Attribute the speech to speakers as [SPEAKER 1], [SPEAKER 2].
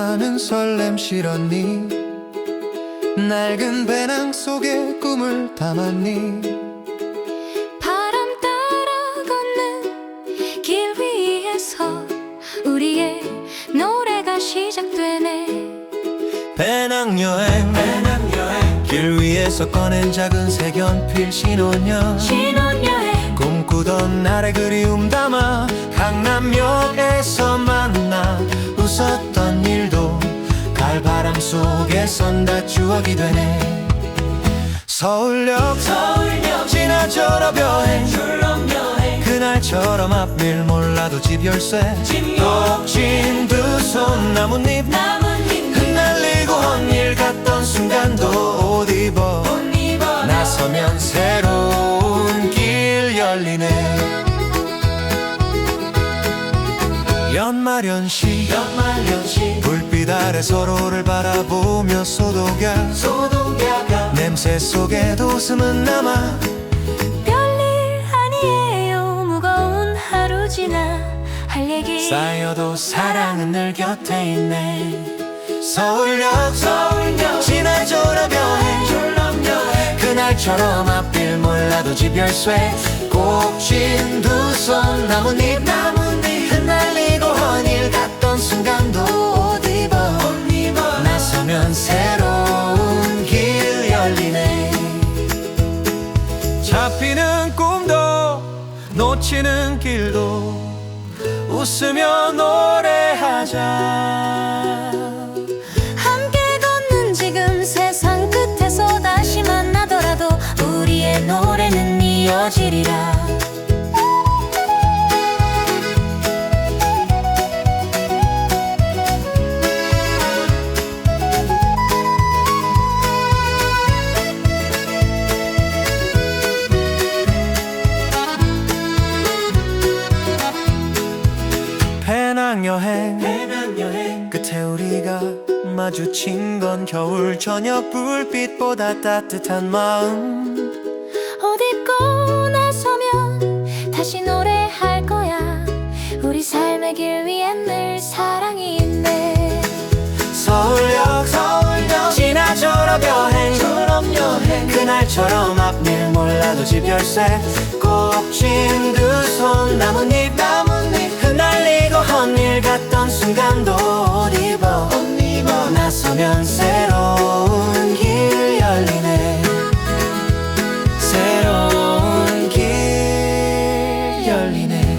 [SPEAKER 1] 많은 설렘 실었니? 낡은 배낭 속에 꿈을 담았니?
[SPEAKER 2] 바람 따라 걷는 길 위에서 우리의 노래가 시작되네.
[SPEAKER 1] 배낭여행 길 위에서 꺼낸 작은 색연필 신혼여행 꿈꾸던 날의 그리움 담아 강남역에서 만나 웃었던 일도 가을바람 속에선 다 추억이 되네. 서울역 지나 졸업여행 그날처럼 앞일 몰라도 집 열쇠 녹진 두 손 나뭇잎 흩날리고 헌일 같던 순간도 옷 입어 나서면 새로운 길 열리네. 연말연시 불빛 아래 서로를 바라보며 소독야 냄새 속에도 웃음은 남아.
[SPEAKER 2] 별일 아니에요. 무거운 하루 지나 할 얘기
[SPEAKER 1] 쌓여도 사랑은 늘 곁에 있네. 서울역 지나 졸업여행 그날처럼 앞길 몰라도 집 열쇠 꼭쥔 두 손 나뭇잎 흩날리고 헌일 같던 순간도 옷 입어 나서면 새로운 길 열리네. 잡히는 꿈도 놓치는 길도 웃으며 노래하자.
[SPEAKER 2] 함께 걷는 지금 세상 끝에서 다시 만나더라도 우리의 노래는 이어지리라.
[SPEAKER 1] 배낭여행 끝에 우리가 마주친 건 겨울 저녁 불빛보다 따뜻한 마음.
[SPEAKER 2] 옷 입고 나서면 다시 노래할 거야. 우리 삶의 길 위엔 늘 사랑이 있네.
[SPEAKER 1] 서울역 지나 졸업여행 그날처럼 앞일 몰라도 집 열쇠 꼭쥔 두 손 나뭇잎 흩날리고 헌일 같던 순간도 옷 입어 나서면 새로운 길 열리네. 새로운 길 열리네.